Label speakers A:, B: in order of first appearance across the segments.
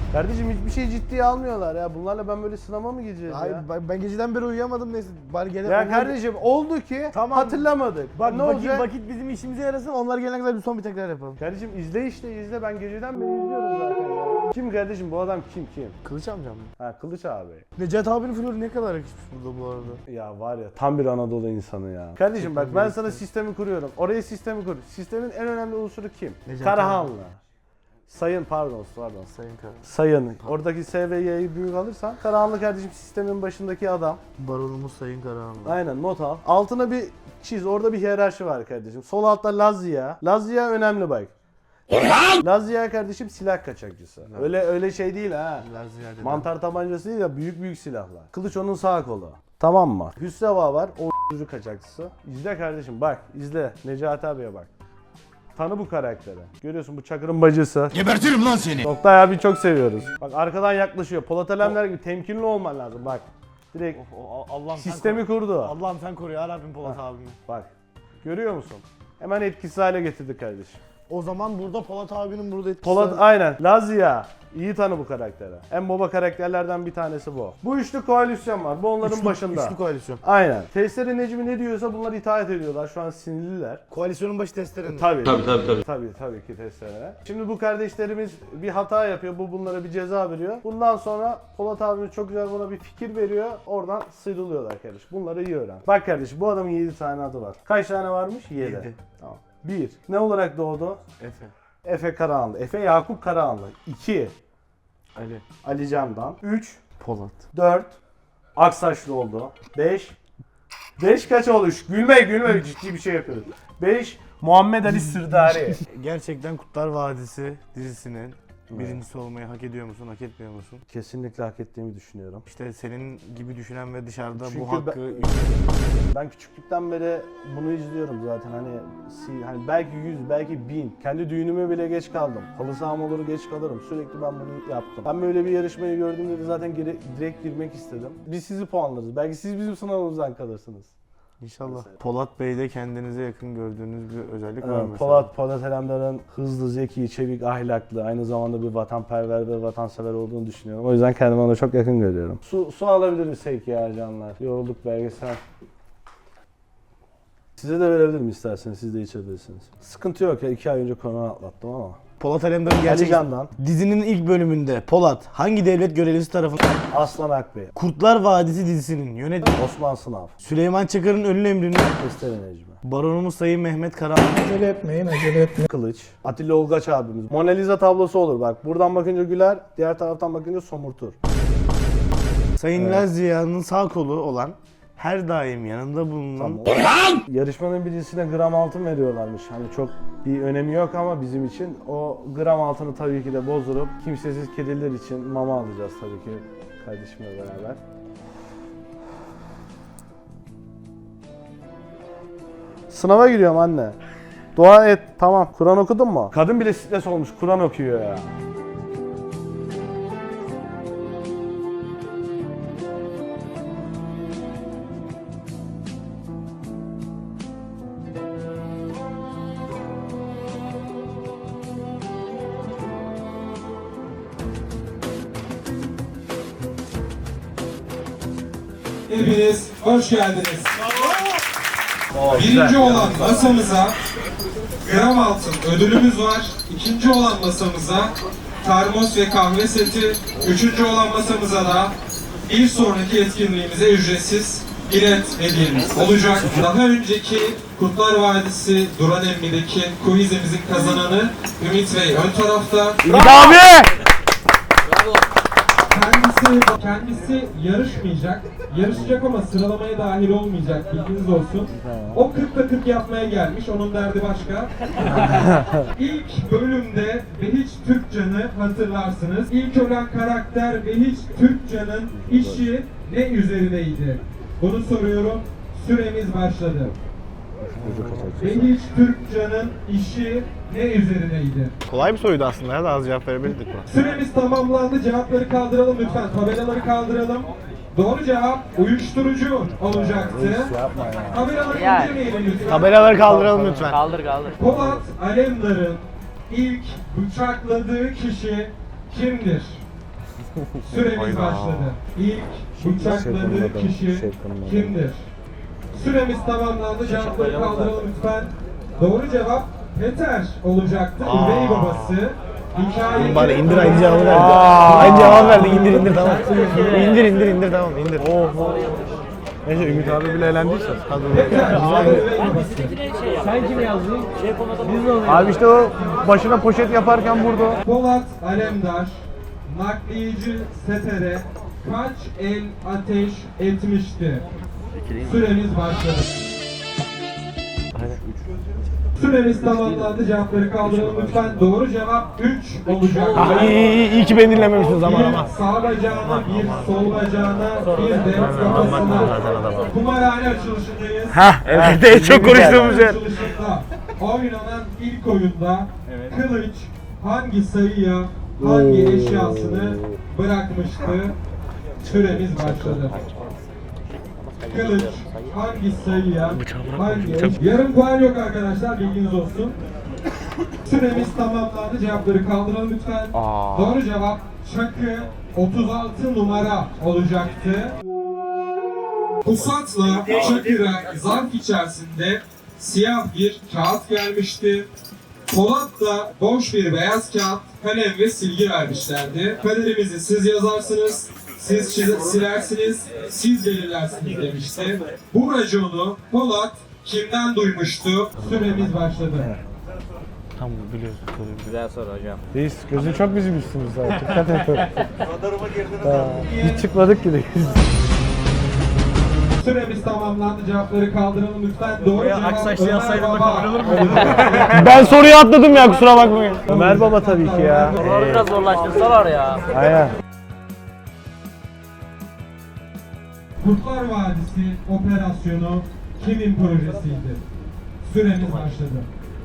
A: Kardeşim hiçbir şey ciddiye almıyorlar ya. Bunlarla ben böyle sınava mı gireceğiz
B: Hayır,
A: ya?
B: ben geceden beri uyuyamadım neyse. Bari gene
A: Ya kardeşim oldu ki
B: Tamam.
A: hatırlamadık.
B: Bak
A: ne olacak?
B: vakit bizim işimize yarasın. Onlar gelene kadar bir son bir tekrar yapalım.
A: Kardeşim izle işte izle. Ben geceden beri izliyorum zaten ya. Kim kardeşim bu adam kim?
B: Kılıç amcam mı?
A: Ha Kılıç abi.
B: Necat abinin flörü ne kadar yakışmış burada bu arada.
A: Ya var ya tam bir Anadolu insanı ya. Kardeşim bak ben sana sistemi kuruyorum. Oraya sistemi kur. Sistemin en önemli unsuru kim?
B: Necati
A: Karahanlı. Pardon.
B: Sayın Kara.
A: Sayın. Oradaki S ve Y'yi büyük alırsan Karahanlı kardeşim sistemin başındaki adam.
B: Baronumuz Sayın Karahanlı.
A: Aynen not al. Altına bir çiz. Orada bir hiyerarşi var kardeşim. Sol altta Lazia. Lazia önemli bak. Lazia kardeşim silah kaçakçısı. Öyle şey değil ha.
B: Lazia
A: Mantar tabancası değil ya büyük silahlar. Kılıç onun sağ kolu. Tamam mı? Hüsreva var. O kaçakçısı. İzle kardeşim bak. İzle. Necati abiye bak. Tanı bu karakteri. Görüyorsun bu Çakır'ın bacısı.
C: Gebertirim lan seni.
A: Oktay abi çok seviyoruz. Bak arkadan yaklaşıyor. Polat Alemdar gibi temkinli olman lazım bak. Direkt
B: Allah'ım
A: sistemi kurdu.
B: Allah'ım sen koru ya Rabbim Polat abimi.
A: Bak. Görüyor musun? Hemen etkisiz hale getirdi kardeşim.
B: O zaman burada Polat abinin burada etkisi
A: Polat aynen. Lazia. İyi tanı bu karakteri. En baba karakterlerden bir tanesi bu. Bu üçlü koalisyon var. Bu onların başında.
B: Üçlü koalisyon.
A: Aynen. Testere Necmi ne diyorsa bunlar itaat ediyorlar. Şu an sinirliler.
B: Koalisyonun başı testerenin.
A: Tabii ki testere. Şimdi bu kardeşlerimiz bir hata yapıyor. Bu bunlara bir ceza veriyor. Bundan sonra Polat abimiz çok güzel buna bir fikir veriyor. Oradan sıyrılıyorlar kardeşim. Bunları iyi öğren. Bak kardeşim bu adamın 7 tane adı var. Kaç tane varmış? 7. Tamam. 1. Ne olarak doğdu?
B: Efe.
A: Efe Karahanlı. Efe Yakup Karahanlı. 2.
B: Ali.
A: Ali Candan. 3.
B: Polat.
A: 4. Aksaçlı oldu. 5. 5 kaç olmuş? Gülme ciddi bir şey yapıyoruz. 5. Muhammed Ali Sırdari.
B: Gerçekten Kurtlar Vadisi dizisinin birincisi olmayı hak ediyor musun, hak etmiyor musun?
A: Kesinlikle hak ettiğimi düşünüyorum.
B: İşte senin gibi düşünen ve dışarıda
A: Çünkü
B: bu hakkı...
A: Ben küçüklükten beri bunu izliyorum zaten hani belki 100 belki 1000 kendi düğünüme bile geç kaldım. Halı saham olur geç kalırım sürekli ben bunu yaptım. Ben böyle bir yarışmayı gördüğümde de zaten direkt girmek istedim. Biz sizi puanlarız belki siz bizim sınavımızdan kalırsınız.
B: İnşallah. Mesela. Polat Bey'de kendinize yakın gördüğünüz bir özellik var mı?
A: Polat Alemdar'ın hızlı, zeki, çevik, ahlaklı, aynı zamanda bir vatanperver ve vatansever olduğunu düşünüyorum. O yüzden kendimi ona çok yakın görüyorum. Su alabiliriz sevki ya canlar. Yorulduk belgesel. Size de verebilirim isterseniz, siz de içebilirsiniz. Sıkıntı yok ya, 2 ay önce korona atlattım ama.
B: Polat Alemdar'ın gerçek... Dizinin ilk bölümünde Polat hangi devlet görevlisi tarafından...
A: Aslan Akbey.
B: Kurtlar Vadisi dizisinin yönetmeni...
A: Osman Sınav.
B: Süleyman Çakır'ın ölüm emrini...
A: Testere Necmi.
B: Baronumuz Sayın Mehmet Karahanlı.
D: Acele etmeyin.
A: Kılıç. Atilla Olgaç abimiz. Mona Lisa tablosu olur bak. Buradan bakınca güler, diğer taraftan bakınca somurtur.
B: Sayın Lazia'nın sağ kolu olan... Her daim yanında bulunan...
A: Yarışmanın birincisine gram altın veriyorlarmış. Hani çok bir önemi yok ama bizim için o gram altını tabii ki de bozdurup kimsesiz kediler için mama alacağız tabii ki kardeşimle beraber. Sınava giriyorum anne. Dua et. Tamam. Kur'an okudun mu? Kadın bile stres olmuş. Kur'an okuyor ya.
E: Hepiniz hoş geldiniz. Birinci olan masamıza gram altın ödülümüz var. İkinci olan masamıza termos ve kahve seti. Üçüncü olan masamıza da bir sonraki etkinliğimize ücretsiz bilet hediyemiz olacak. Daha önceki Kurtlar Vadisi Duran Emmi'deki quizimizin kazananı Ümit Bey ön tarafta.
A: Ümit abi!
E: Kendisi yarışmayacak. Yarışacak ama sıralamaya dahil olmayacak. Bilginiz olsun. O 40'ta 40 yapmaya gelmiş. Onun derdi başka. İlk bölümde Behiç Türkcan'ı hatırlarsınız. İlk ölen karakter Behiç Türkcan'ın işi ne üzerineydi? Bunu soruyorum. Süremiz başladı. Behiç Türkcan'ın işi ne üzerineydi?
B: Kolay bir soruydu aslında ya da az cevap verebilirdik mi?
E: Süremiz tamamlandı. Cevapları kaldıralım lütfen. Tabelaları kaldıralım. Doğru cevap uyuşturucu olacaktı. Tabelaları indirmeyelim lütfen.
B: Tabelaları kaldıralım lütfen.
D: Kaldır.
E: Polat Alemdar'ın ilk bıçakladığı kişi kimdir? Süremiz başladı. İlk bıçakladığı kişi kimdir? Süremiz tamamlandı. Cevapları kaldıralım lütfen. Doğru cevap Peter olacaktı. Üvey babası. Hikaye
B: Bari indir aynı cevabı verdi. Aynı cevabı verdi. İndir tamam. İndir tamam indir.
A: Neyse Ümit abi bile elendiyse.
E: Peter, üvey babası.
C: Sen kim yazdın? Şey konuda biz de
A: Abi işte o başına poşet yaparken vurdu.
E: Polat Alemdar, nakliyeci Seter'e kaç el ateş etmişti? Süremiz başladı. Süremiz tamamlandı. Cevapları kaldıralım lütfen. Doğru cevap 3 olacak.
B: İyi ki beni dinlememişsin zaman ama.
E: Bir sağ bacağına, bir sol bacağına, bir de kafasına. Kumarhane açılışındayız.
B: Evet en çok konuştuğumuz yer.
E: Açılışında oynanan ilk oyunda Kılıç hangi sayıya hangi eşyasını bırakmıştı? Süremiz başladı. Kılıç hangi sayıya hangi yarım puan yok arkadaşlar, bilginiz olsun. Süremiz tamamlandı. Cevapları kaldıralım lütfen. Doğru cevap Çakı 36 numara olacaktı. Pusat'la Çakır'a zarf içerisinde siyah bir kağıt gelmişti. Polat da boş bir beyaz kağıt, kalem ve silgi vermişlerdi. Kaderimizi siz yazarsınız, siz silersiniz, siz belirlersiniz demişti. Bu raconu Polat kimden duymuştu? Süremiz başladı.
B: Tamam biliyorsun.
C: Güzel soru hocam.
A: Reis gözün çok bizim üstümüzde. Dikkat et. Radarıma girdiniz. Hiç çıkmadık ki de.
E: Süremiz tamamlandı. Cevapları kaldıralım lütfen. Doğru cevap
C: Aksaçlı
E: Ömer
C: yazsaydın da
E: Baba.
C: kabul olur mu?
B: Ben soruyu atladım ya kusura bakmayın.
A: Ömer Baba tabii ki ya.
C: Soruları biraz zorlaştırsalar ya.
A: Aynen.
E: Kurtlar Vadisi operasyonu kimin projesiydi? Süremiz başladı.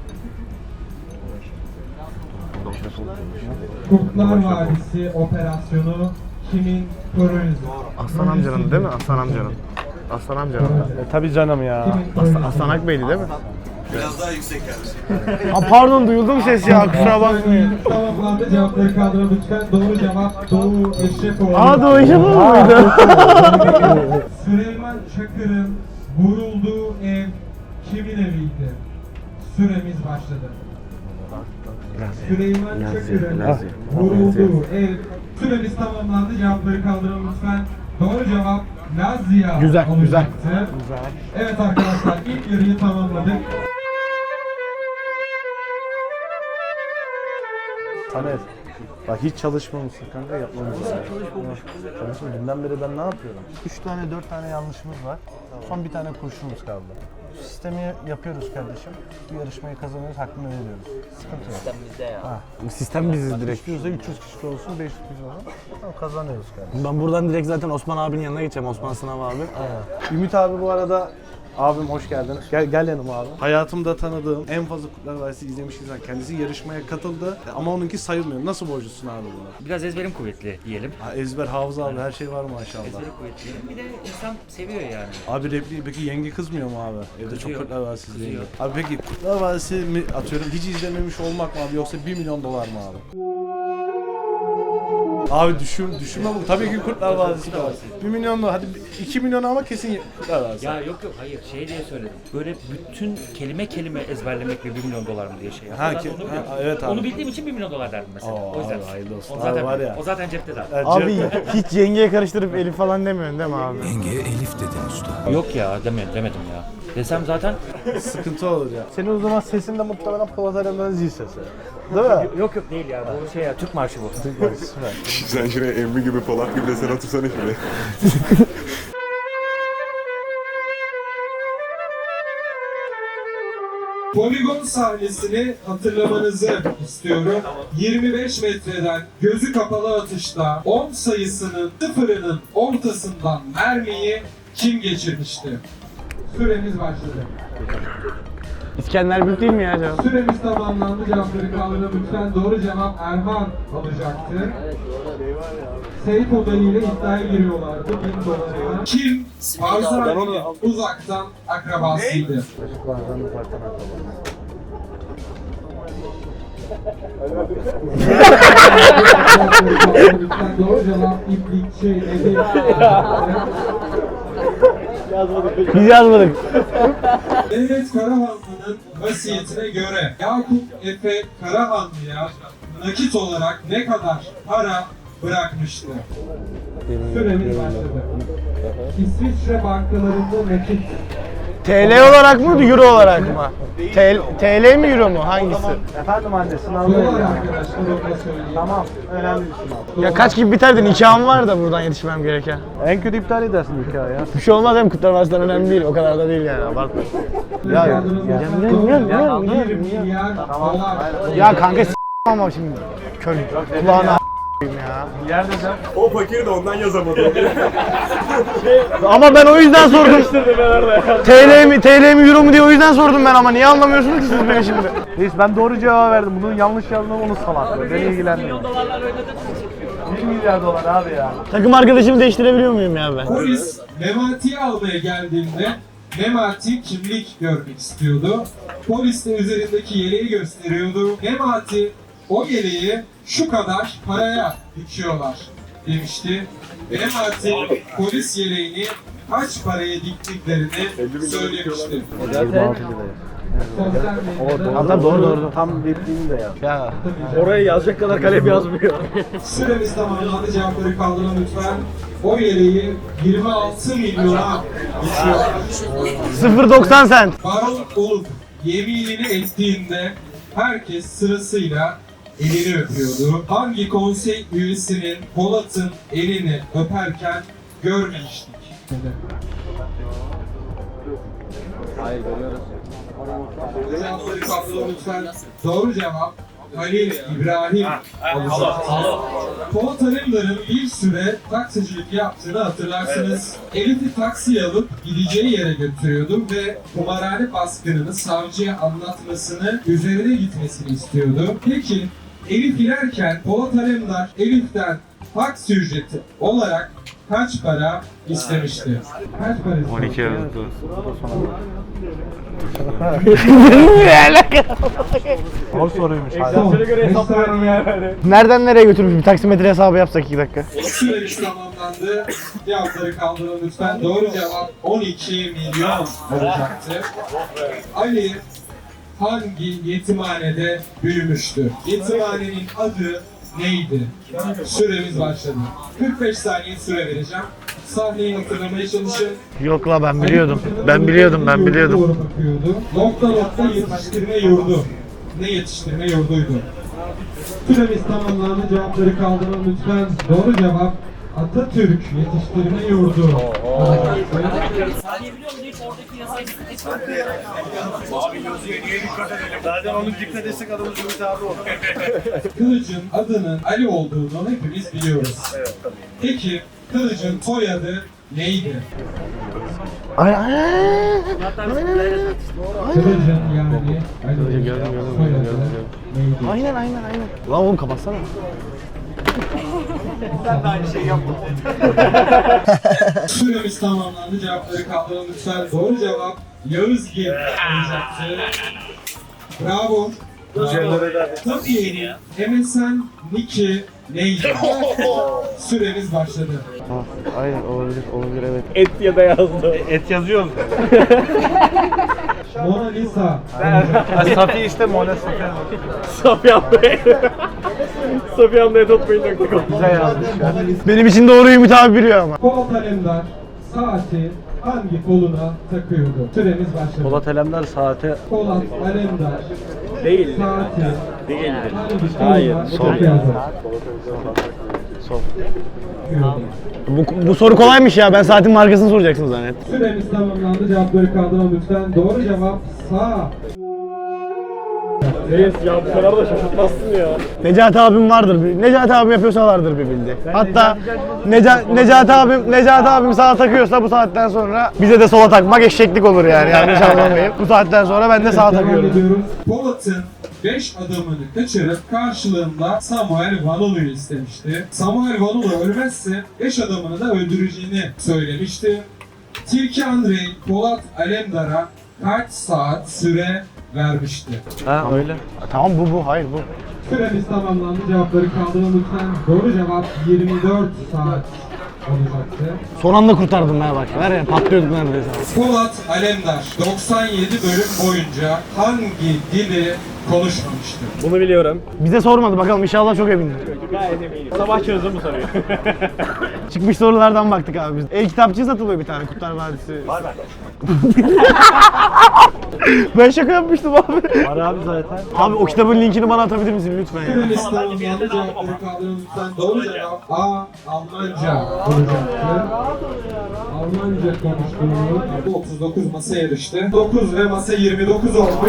E: Kurtlar Vadisi operasyonu kimin projesi?
B: Aslan amcanın değil mi? Aslan amcanın. Aslan amcanın.
A: Tabii canım ya.
B: Aslan Akbey'di değil mi? Biraz daha yüksek gelmiş. Ha pardon duyuldu mu ses ya kusura bakmayın.
E: Tamamlandı. Cevapları kaldırın lütfen. Doğru cevap Doğu Eşrefoğlu.
B: Doğru işe muydu?
E: Süleyman Çakır'ın vurulduğu ev kimin eviydi? Süremiz başladı. Süleyman Çakır'ın vurulduğu ev. Süremiz tamamlandı. Cevapları kaldırın lütfen. Doğru cevap Lazia
B: Güzel,
E: olacaktı. Evet arkadaşlar, ilk yarıyı tamamladık.
A: Samet. Bak hiç çalışmamışsın kanka, yapmamız lazım. Kardeşim dünden beri ben ne yapıyorum? 3 tane 4 tane yanlışımız var. Son bir tane kurşunumuz kaldı. Sistemi yapıyoruz kardeşim. Bu yarışmayı kazanıyoruz, hakkını veriyoruz. Sıkıntı yok.
C: Sen bizde ya.
B: Sistem biziz direkt.
A: İstiyorsa 300 kişi olsun, 500 kişi olsun. Tamam, kazanıyoruz kardeşim.
B: Ben buradan direkt zaten Osman abinin yanına geçeceğim. Osman Sınav abi.
A: Ümit abi bu arada, abim hoş geldin. Gel yanıma abi. Hayatımda tanıdığım en fazla Kurtlar Vadisi izlemiş insan. Kendisi yarışmaya katıldı ama onunki sayılmıyor. Nasıl borcusun abi buna?
D: Biraz ezberim kuvvetli diyelim.
A: Ha, ezber, hafıza abi, her şey var maşallah.
D: Ezberim kuvvetli. Bir de insan seviyor yani.
A: Abi repliği peki yenge kızmıyor mu abi? Evde çok
D: Kızıyor.
A: Kurtlar Vadisi izleyince.
D: Kızıyor.
A: Abi peki Kurtlar Vadisi mi atıyorum hiç izlememiş olmak mı abi yoksa 1 milyon dolar mı abi? Abi düşünme bu. Tabii ki Kurtlar Vadisi de var. 1 milyon dolar, hadi 2 milyon ama kesin Kurtlar Vadisi.
D: Ya yok hayır şey diye söyledim. Böyle bütün kelime kelime ezberlemek ve 1 milyon dolar mı diye şey yaptım.
A: Ha,
D: Zaten
A: ki-
D: onu biliyorum.
A: ha, evet abi.
D: Onu bildiğim için 1 milyon dolar derdim mesela.
A: Oo,
D: O yüzden.
A: abi, hayırlı olsun.
D: O zaten,
A: Abi var ya.
D: o zaten cepte zaten.
A: Evet,
B: Abi hiç yengeye karıştırıp Elif falan demiyorsun değil mi abi?
D: Yok ya demedim ya. Desem zaten
A: sıkıntı olur ya. Senin o zaman sesin de muhtemelen Polat Alemdar'ın zil sesi. Değil mi?
D: yok değil ya. Bu şey ya Türk marşı bu.
A: Süper.
F: Sen şuraya emmi gibi Polat gibi de sen otursana şuraya.
E: Poligon sahnesini hatırlamanızı istiyorum. 25 metreden gözü kapalı atışta 10 sayısının sıfırının ortasından mermiyi kim geçirmişti? Süremiz başladı.
B: İskender Büyük değil mi ya cevap?
E: Süremiz tamamlandı. Cevapları kaldırın lütfen. Doğru cevap Erman olacaktı. Seyf Odayı ile iddiaya giriyorlardı. 1000 dolara. Kim Barzani'nin uzaktan akrabasıydı? Doğru cevap iplik şey nedir?
B: Biz yazmadık.
E: Devlet Karahanlı'nın vasiyetine göre Yakup Efe Karahanlı'ya nakit olarak ne kadar para bırakmıştı? Süremiz başladı. İsviçre bankalarında nakit
B: TL olarak mı, euro olarak mı? TL mi, euro mu? Hangisi?
A: Efendim anne sınavda
E: dolar arkadaşlar onu söyleyeyim.
A: Tamam önemli bir sınav.
B: Ya kaç gibi biter de nikahım var da buradan yetişmem gereken.
A: En kötü iptal edersin hikaye ya.
B: Bir şey olmaz hem kutlamazsan önemli değil. O kadar da değil yani abartma.
A: Ya,
E: Bir milyar dolar.
B: Ya kanka ama şimdi kör kulağına ya.
F: O fakir de ondan yazamadı.
B: Ama ben o yüzden sordum. TL mi euro mu diye o yüzden sordum ben ama niye anlamıyorsunuz ki siz beni şimdi?
A: Reis ben doğru cevap verdim. Bunun yanlış yazdığını onu salaklı. Beni ilgilenmiyor. 1 milyar dolar abi ya.
B: Takım arkadaşımı değiştirebiliyor muyum ya ben?
E: Polis Memati'yi almaya geldiğinde Memati kimlik görmek istiyordu. Polis de üzerindeki yeleği gösteriyordu. Memati o yeleği şu kadar paraya dikiyorlar demişti. Memati polis yeleğini kaç paraya diktiklerini söylemişti.
A: 26 liraya.
E: Sosyal medyada
B: Hatta doğru.
A: Tam repliğini de yaz.
B: Ya
C: Oraya yazacak kadar kalem yazmıyor.
E: süremiz tamamlandı. Cevapları kaldırın lütfen. O yeleği 26 milyona dikiyorlar.
B: 0.90 cent.
E: Baron olup yeminini ettiğinde herkes sırasıyla elini öpüyordu. Hangi konsey üyesinin Polat'ın elini öperken görmemiştik?
C: Hayır görüyoruz.
E: Cevapları kaldırın lütfen. Doğru cevap Halil İbrahim olacak. Polat Alemdar'ın bir süre taksicilik yaptığını hatırlarsınız. Elif'i taksiye alıp gideceği yere götürüyordu ve kumarhane baskınını savcıya anlatmasını, üzerine gitmesini istiyordu. Peki Elif inerken Polat Alemdar Elif'ten taksi ücreti olarak kaç para istemişti? Kaç para istemişti?
F: 12 yazdı.
A: O soruymuş.
E: Son.
C: göre hesaplıyorum yani.
B: Nereden nereye götürmüş bir taksimetre hesabı yapsak 2 dakika.
E: Süremiz tamamlandı. Cevapları kaldırın lütfen. Doğru cevap 12 milyon olacaktı. Ali hangi yetimhanede büyümüştü? Yetimhanenin adı neydi? Süremiz başladı. 45 saniye süre vereceğim. Sahneyi hatırlamaya çalışın.
B: Yok la ben biliyordum. Ben biliyordum.
E: Doğru bakıyordu. Nokta nokta yetiştirme yurdu. Ne yetiştirme yurduydu? Süremiz tamamlandı. Cevapları kaldırın lütfen. Doğru cevap Atatürk Yetiştirme Yurdu.
A: Zaten onun dikkat etsek adamın Cumhuriyet abi olur.
E: Kılıç'ın adının Ali olduğunu hepimiz biliyoruz. Peki Kılıç'ın soyadı neydi?
B: Ay ay.
E: Kılıç'ın yani Ali soyadı neydi?
B: Aynen. Lan oğlum kapatsana.
E: Süremiz tamamlandı. Cevapları kaldırın lütfen. Doğru cevap Yağızgil olacaktı. Bravo. Tabii MSN Nick'i neydi? Süremiz başladı.
A: Aynen olabilir evet.
C: Et ya da yazdı.
A: Et yazıyoruz.
E: Mona Lisa.
A: Safi işte Mona Safi.
C: Safiyan Bey. Safiyan Bey tutmayın.com.
A: Güzel yazmış ya.
B: Benim için doğru Ümit abi biliyor ama.
E: Polat Alemdar saati hangi koluna takıyordu? Süremiz başladı.
A: Polat Alemdar saate
E: Polat Alemdar
C: Değil.
E: saati
C: Değildir.
E: hangi koluna
C: Hayır.
E: takıyordu?
A: sol.
B: Bu soru kolaymış ya. Ben saatin markasını soracaksın zannet.
E: Süremiz tamamlandı. Cevapları kaldırın lütfen. Doğru cevap sağ.
C: Reis ya bu kadar da şaşırtmazsın ya.
B: Necati abim vardır. Necati abim yapıyorsa vardır bir bildi. Hatta Necati abim sağa takıyorsa bu saatten sonra bize de sola takmak eşeklik olur yani. Yanlış anlamayın. Bu saatten sonra ben de sağa
E: Devam
B: takıyorum.
E: ediyoruz. Polat'ın 5 adamını kaçırıp karşılığında Samuel Vanolu'yu istemişti. Samuel Vanolu ölmezse 5 adamını da öldüreceğini söylemişti. Tilki Andrei Polat Alemdar'a kaç saat süre vermişti?
C: Ha öyle.
B: Tamam bu hayır bu.
E: Süremiz tamamlandı. Cevapları kaldırın lütfen. Doğru cevap 24 saat olacaktı.
B: Son anda kurtardım ben bak. Var ya patlıyorduk neredeyse.
E: Polat Alemdar 97 bölüm boyunca hangi dili konuşmamıştır?
C: Bunu biliyorum.
B: Bize sormadı bakalım inşallah çok emindir.
C: Gayet eminim. Sabah çözdüm bu soruyu.
B: Çıkmış sorulardan baktık abi biz. El-kitapçı satılıyor bir tane Kurtlar Vadisi. Var ben şaka yapmıştım abi.
C: Var abi zaten.
B: Abi o kitabın linkini bana atabilir misin lütfen ya?
E: Süremiz tamamlandı. Cevapları kaldırın lütfen. Doğru cevap A. Almanca olacaktı. Almanca konuştuğunu 39 masa yarıştı. 9 ve masa 29 olmuş.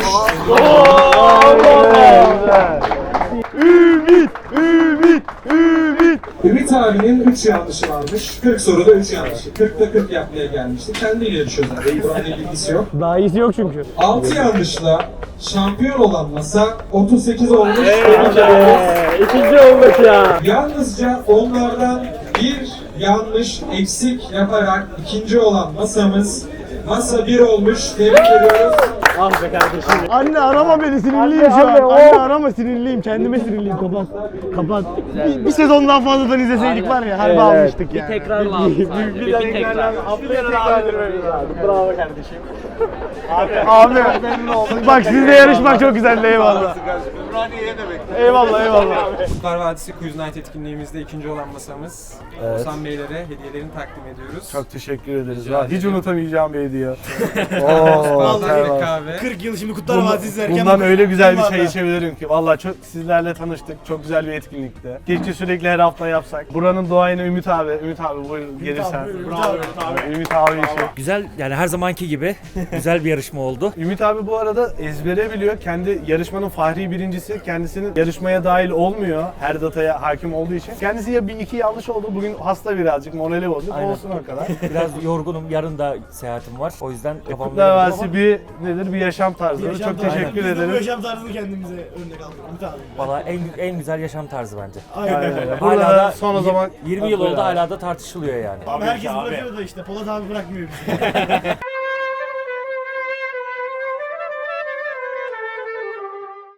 E: Ümit abinin 3 yanlışı varmış. 40 soruda 3 yanlışı. 40'ta 40 yapmaya gelmişti. Kendiyle yarışıyor zaten. İbrahim'le ilgisi yok.
B: Daha iyisi yok çünkü.
E: 6 yanlışla şampiyon olan masa 38 olmuş.
C: İkinci olmuş ya.
E: Yalnızca onlardan bir yanlış eksik yaparak ikinci olan masamız masa 1 olmuş. Tebrik ediyoruz.
C: Ah be kardeşim.
B: Anne arama beni sinirliyim şu an. Anne arama sinirliyim. Kendime sinirliyim. Kapat. Kapat. Bir sezon daha fazladan izleseydik var ya harbi almıştık yani.
D: Tekrar lazım. Bir tekrar.
C: Bravo kardeşim.
B: Abi bak sizle yarışmak çok güzeldi eyvallah. Eyvallah eyvallah.
G: Kurtlar Vadisi Quiz Night etkinliğimizde ikinci olan masamız. Oğuzhan Beylere hediyelerini takdim ediyoruz.
A: Çok teşekkür ederiz. Hiç unutamayacağım bir hediye.
G: Vallahi bir kahve.
B: 40 yıl şimdi Kurtlar Vadisi izlerken
A: Bundan öyle güzel bir şey içebilirim ki. Vallahi çok sizlerle tanıştık. Çok güzel bir etkinlikti. Keşke sürekli her hafta yapsak. Buranın duayeni Ümit abi. Ümit abi buyur gelirsen. Ümit abi işi.
D: Güzel yani her zamanki gibi güzel bir yarışma oldu.
A: Ümit abi bu arada ezbere biliyor. Kendi yarışmanın fahri birincisi. Kendisinin yarışmaya dahil olmuyor. Her dataya hakim olduğu için. Kendisi ya bir iki yanlış oldu. Bugün hasta birazcık. Morali bozuk.
D: Aynen.
A: Olsun o kadar.
D: Biraz yorgunum. Yarın da seyahatim var. O yüzden kafam
A: Kurtlar
D: yorgun
A: Vadisi bir nedir? Bir yaşam tarzı. Çok teşekkür ederim.
B: yaşam tarzını kendimize örnek aldık. Ümit abi.
D: Valla en güzel yaşam tarzı bence.
A: Aynen.
D: Hala
A: Burada
D: da
A: da son o zaman
D: 20 yıl oldu hala da tartışılıyor yani.
B: Herkes bırakıyor da işte Polat abi bırakmıyor bizi.